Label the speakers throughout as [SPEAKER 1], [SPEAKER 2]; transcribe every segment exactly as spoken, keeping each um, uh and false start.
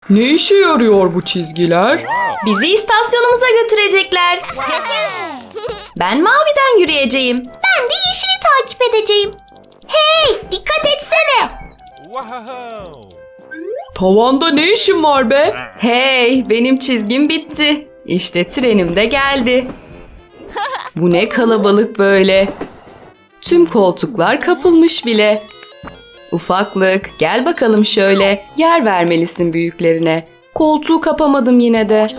[SPEAKER 1] Ne işe yarıyor bu çizgiler?
[SPEAKER 2] Bizi istasyonumuza götürecekler. Ben maviden yürüyeceğim.
[SPEAKER 3] Ben de yeşili takip edeceğim. Hey, dikkat etsene.
[SPEAKER 1] Tavanda ne işin var be?
[SPEAKER 2] Hey, benim çizgim bitti. İşte trenim de geldi. Bu ne kalabalık böyle. Tüm koltuklar kapılmış bile. Ufaklık, gel bakalım şöyle. Yer vermelisin büyüklerine. Koltuğu kapamadım yine de.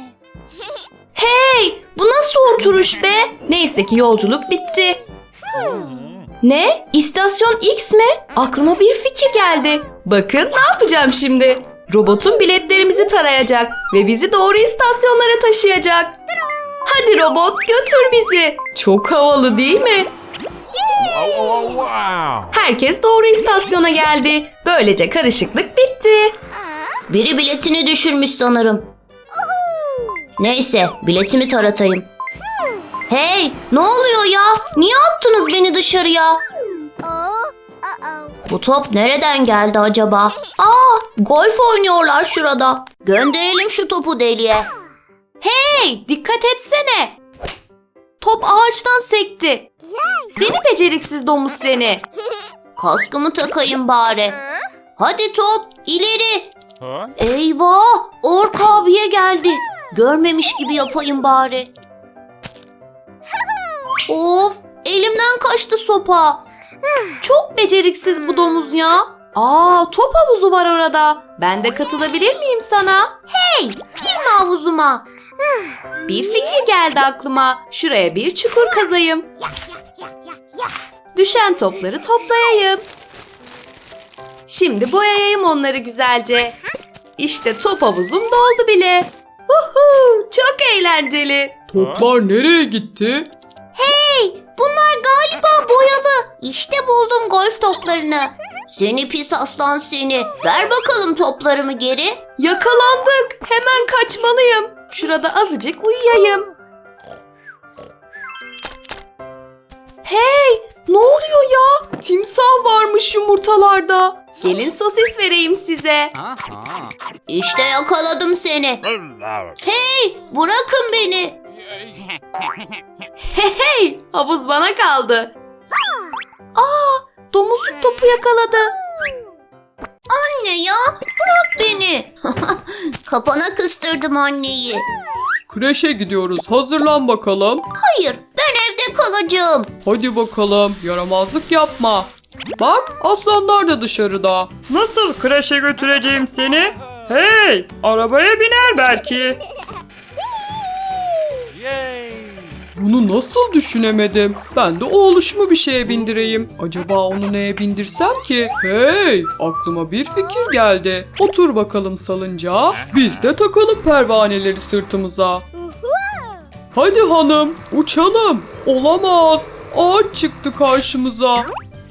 [SPEAKER 2] Hey, bu nasıl oturuş be? Neyse ki yolculuk bitti. Ne? İstasyon X mi? Aklıma bir fikir geldi. Bakın ne yapacağım şimdi. Robotun biletlerimizi tarayacak ve bizi doğru istasyonlara taşıyacak. Hadi robot, götür bizi. Çok havalı değil mi? Herkes doğru istasyona geldi. Böylece karışıklık bitti.
[SPEAKER 3] Biri biletini düşürmüş sanırım. Neyse, biletimi taratayım. Hey, ne oluyor ya? Niye attınız beni dışarıya? Bu top nereden geldi acaba? Aa, golf oynuyorlar şurada. Gönderelim şu topu deliğe.
[SPEAKER 2] Hey, dikkat etsene. Top ağaçtan sekti. Seni beceriksiz domuz seni.
[SPEAKER 3] Kaskımı takayım bari. Hadi top, ileri. Eyvah, Ork abiye geldi. Görmemiş gibi yapayım bari. Of, elimden kaçtı sopa.
[SPEAKER 2] Çok beceriksiz bu domuz ya. Aa, top havuzu var orada. Ben de katılabilir miyim sana?
[SPEAKER 3] Hey, girme havuzuma.
[SPEAKER 2] Bir fikir geldi aklıma. Şuraya bir çukur kazayım. Düşen topları toplayayım. Şimdi boyayayım onları güzelce. İşte top havuzum doldu bile. Uhu, çok eğlenceli.
[SPEAKER 1] Toplar nereye gitti?
[SPEAKER 3] Hey, bunlar galiba boyalı. İşte buldum golf toplarını. Seni pis aslan seni. Ver bakalım toplarımı geri.
[SPEAKER 2] Yakalandık. Hemen kaçmalıyım. Şurada azıcık uyuyayım. Hey, ne oluyor ya? Timsah varmış yumurtalarda. Gelin sosis vereyim size.
[SPEAKER 3] İşte yakaladım seni. Hey, bırakın beni.
[SPEAKER 2] Hey hey, havuz bana kaldı. Aa, domuzcuk topu yakaladı.
[SPEAKER 3] Anne ya, bırak beni. Kapana kıstırdım anneyi.
[SPEAKER 1] Kreşe gidiyoruz. Hazırlan bakalım.
[SPEAKER 3] Hayır, ben evde kalacağım.
[SPEAKER 1] Hadi bakalım. Yaramazlık yapma. Bak, aslanlar da dışarıda.
[SPEAKER 4] Nasıl kreşe götüreceğim seni? Hey, arabaya biner belki.
[SPEAKER 1] Bunu nasıl düşünemedim? Ben de oğluşumu bir şeye bindireyim. Acaba onu neye bindirsem ki? Hey, aklıma bir fikir geldi. Otur bakalım salıncağa. Biz de takalım pervaneleri sırtımıza. Hadi hanım, uçalım. Olamaz. Ağaç çıktı karşımıza.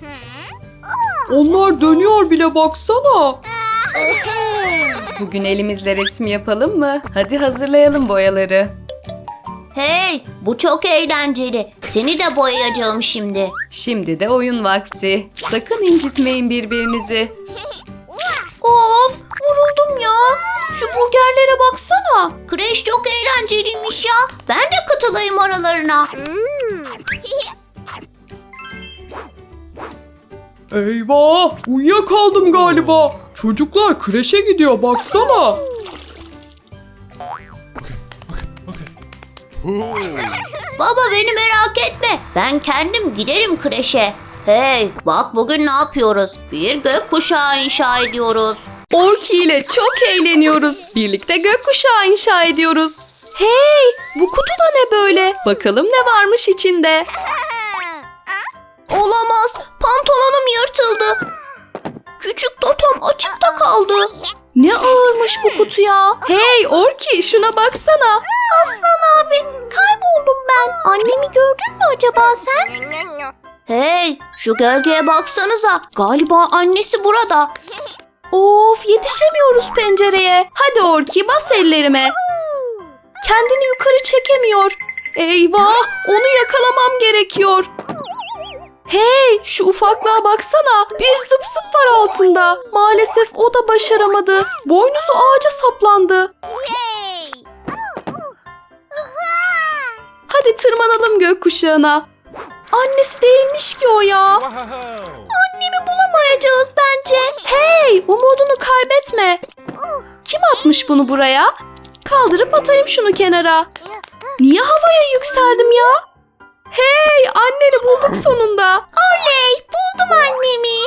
[SPEAKER 1] Onlar dönüyor bile, baksana.
[SPEAKER 2] Bugün elimizle resim yapalım mı? Hadi hazırlayalım boyaları.
[SPEAKER 3] Hey, bu çok eğlenceli. Seni de boyayacağım şimdi.
[SPEAKER 2] Şimdi de oyun vakti. Sakın incitmeyin birbirinizi.
[SPEAKER 3] Of, vuruldum ya. Şu burgerlere baksana. Kreş çok eğlenceliymiş ya. Ben de katılayım aralarına.
[SPEAKER 1] Eyvah! Uyuyakaldım galiba. Çocuklar kreşe gidiyor, baksana.
[SPEAKER 3] Baba beni merak etme. Ben kendim giderim kreşe. Hey, bak bugün ne yapıyoruz? Bir gökkuşağı inşa ediyoruz.
[SPEAKER 2] Orki ile çok eğleniyoruz. Birlikte gökkuşağı inşa ediyoruz. Hey, bu kutu da ne böyle? Bakalım ne varmış içinde.
[SPEAKER 3] Olamaz. Pantolonum yırtıldı. Küçük totom açıkta kaldı.
[SPEAKER 2] Ne ağırmış bu kutu ya. Hey Orki, şuna baksana.
[SPEAKER 3] Aslan abi, kayboldum ben. Annemi gördün mü acaba sen? Hey, şu gölgeye baksanıza. Galiba annesi burada.
[SPEAKER 2] Of, yetişemiyoruz pencereye. Hadi Orki, bas ellerime. Kendini yukarı çekemiyor. Eyvah, onu yakalamam gerekiyor. Hey, şu ufaklığa baksana. Bir zıp zıp var altında. Maalesef o da başaramadı. Boynuzu ağaca saplandı. Hadi tırmanalım gökkuşağına. Annesi değilmiş ki o ya. Annemi bulamayacağız bence. Hey, umudunu kaybetme. Kim atmış bunu buraya? Kaldırıp atayım şunu kenara. Niye havaya yükseldim ya? Hey, anneni bulduk sonunda.
[SPEAKER 3] Oley, buldum annemi.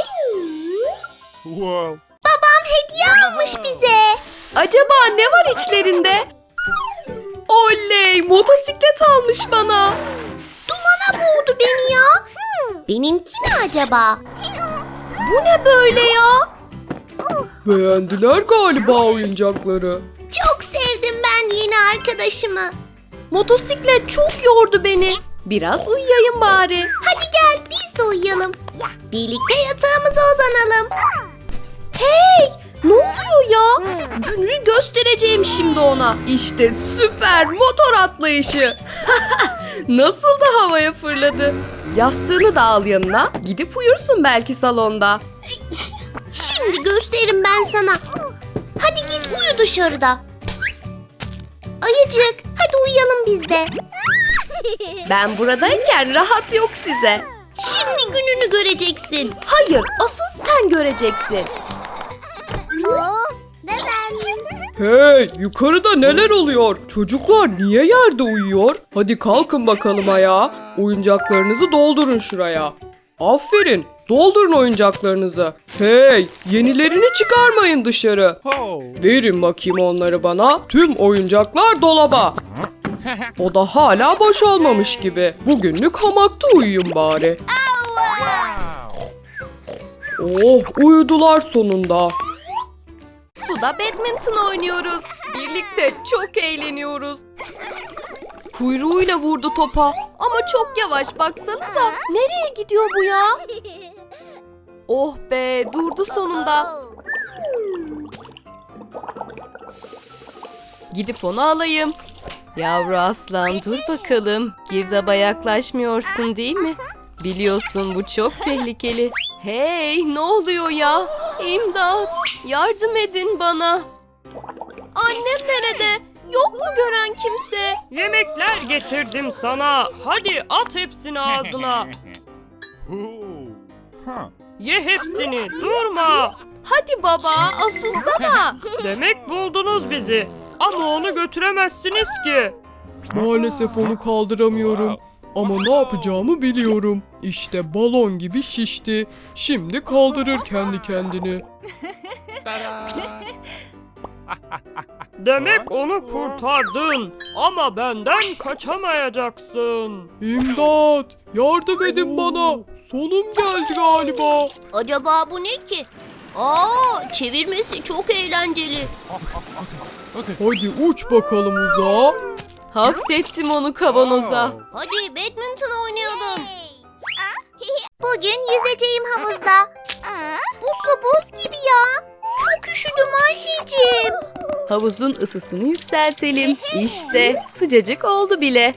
[SPEAKER 3] Babam hediye almış bize.
[SPEAKER 2] Acaba ne var içlerinde? Oley, motosiklet almış bana.
[SPEAKER 3] Dumana boğdu beni ya. Benimki ne acaba?
[SPEAKER 2] Bu ne böyle ya?
[SPEAKER 1] Beğendiler galiba oyuncakları.
[SPEAKER 3] Çok sevdim ben yeni arkadaşımı.
[SPEAKER 2] Motosiklet çok yordu beni. Biraz uyuyayım bari.
[SPEAKER 3] Hadi gel biz de uyuyalım. Birlikte yatağımıza uzanalım.
[SPEAKER 2] Hey, ne oluyor ya? Gününü göstereceğim şimdi ona. İşte süper motor atlayışı. Nasıl da havaya fırladı. Yastığını da al yanına. Gidip uyursun belki salonda.
[SPEAKER 3] Şimdi gösteririm ben sana. Hadi git uyu dışarıda. Ayıcık, hadi uyuyalım biz de.
[SPEAKER 2] Ben buradayken rahat yok size.
[SPEAKER 3] Şimdi gününü göreceksin.
[SPEAKER 2] Hayır, asıl sen göreceksin.
[SPEAKER 1] Hey, yukarıda neler oluyor? Çocuklar niye yerde uyuyor? Hadi kalkın bakalım ayağa. Oyuncaklarınızı doldurun şuraya. Aferin, doldurun oyuncaklarınızı. Hey, yenilerini çıkarmayın dışarı. Verin bakayım onları bana. Tüm oyuncaklar dolaba. O da hala boşalmamış gibi. Bugünlük hamakta uyuyun bari. Oh, uyudular sonunda.
[SPEAKER 2] Suda badminton oynuyoruz. Birlikte çok eğleniyoruz. Kuyruğuyla vurdu topa. Ama çok yavaş baksanıza. Nereye gidiyor bu ya? Oh be, durdu sonunda. Gidip onu alayım. Yavru aslan dur bakalım. Girdaba yaklaşmıyorsun değil mi? Biliyorsun bu çok tehlikeli. Hey, ne oluyor ya? İmdat! Yardım edin bana. Annem nerede? Yok mu gören kimse?
[SPEAKER 4] Yemekler getirdim sana. Hadi at hepsini ağzına. Ye hepsini, durma.
[SPEAKER 2] Hadi baba, asılsana.
[SPEAKER 4] Demek buldunuz bizi. Ama onu götüremezsiniz ki.
[SPEAKER 1] Maalesef onu kaldıramıyorum. Ama ne yapacağımı biliyorum. İşte balon gibi şişti. Şimdi kaldırır kendi kendini.
[SPEAKER 4] Demek onu kurtardın. Ama benden kaçamayacaksın.
[SPEAKER 1] İmdat! Yardım edin bana. Sonum geldi galiba.
[SPEAKER 3] Acaba bu ne ki? Aa, çevirmesi çok eğlenceli.
[SPEAKER 1] Hadi uç bakalım uzağa.
[SPEAKER 2] Hapsettim onu kavanoza.
[SPEAKER 3] Hadi badminton oynayalım. Bugün yüzeceğim havuzda. Bu su buz gibi ya. Çok üşüdüm anneciğim.
[SPEAKER 2] Havuzun ısısını yükseltelim. İşte sıcacık oldu bile.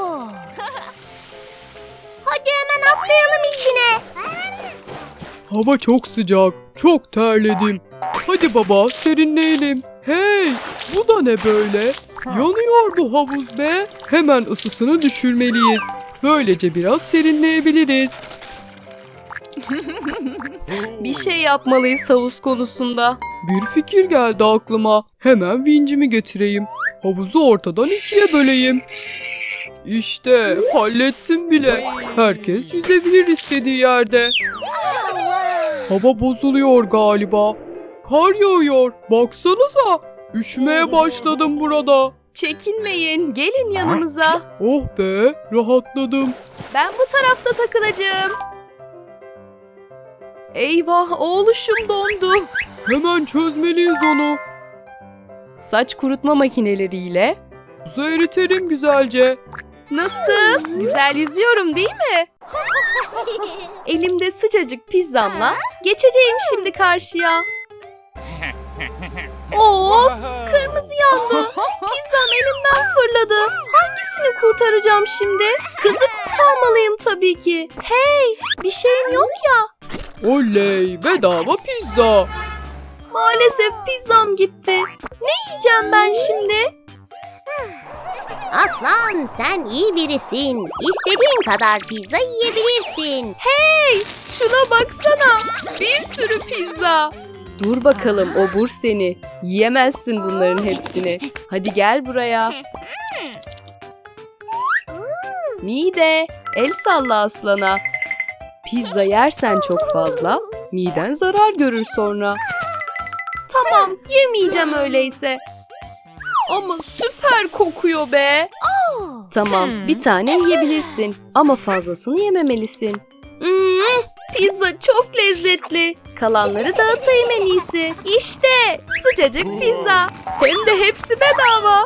[SPEAKER 3] Hadi hemen atlayalım içine.
[SPEAKER 1] Hava çok sıcak. Çok terledim. Hadi baba serinleyelim. Hey, bu da ne böyle? Yanıyor bu havuz be. Hemen ısısını düşürmeliyiz. Böylece biraz serinleyebiliriz.
[SPEAKER 2] Bir şey yapmalıyız havuz konusunda.
[SPEAKER 1] Bir fikir geldi aklıma. Hemen vincimi getireyim. Havuzu ortadan ikiye böleyim. İşte hallettim bile. Herkes yüzebilir istediği yerde. Hava bozuluyor galiba. Kar yağıyor. Baksanıza. Üşümeye başladım burada.
[SPEAKER 2] Çekinmeyin, gelin yanımıza.
[SPEAKER 1] Oh be, rahatladım.
[SPEAKER 2] Ben bu tarafta takılacağım. Eyvah, oğluşum dondu.
[SPEAKER 1] Hemen çözmeliyiz onu.
[SPEAKER 2] Saç kurutma makineleriyle.
[SPEAKER 1] Buzu eritelim güzelce.
[SPEAKER 2] Nasıl? Güzel yüzüyorum değil mi? Elimde sıcacık pizzamla geçeceğim şimdi karşıya. Of! Kırmızı yandı. Pizzam elimden fırladı. Hangisi hangisini kurtaracağım şimdi? Kızı kurtarmalıyım tabii ki. Hey, bir şeyin yok ya.
[SPEAKER 1] Oley, bedava pizza.
[SPEAKER 2] Maalesef pizzam gitti. Ne yiyeceğim ben şimdi?
[SPEAKER 3] Aslan sen iyi birisin. İstediğin kadar pizza yiyebilirsin.
[SPEAKER 2] Hey, şuna baksana. Bir sürü pizza. Dur bakalım obur seni. Yiyemezsin bunların hepsini. Hadi gel buraya. Mide, el salla aslana. Pizza yersen çok fazla, miden zarar görür sonra. Tamam, yemeyeceğim öyleyse. Ama süper kokuyor be. Tamam, bir tane yiyebilirsin ama fazlasını yememelisin. Hmm, pizza çok lezzetli. Kalanları dağıtayım en iyisi. İşte sıcacık pizza. Hem de hepsi bedava.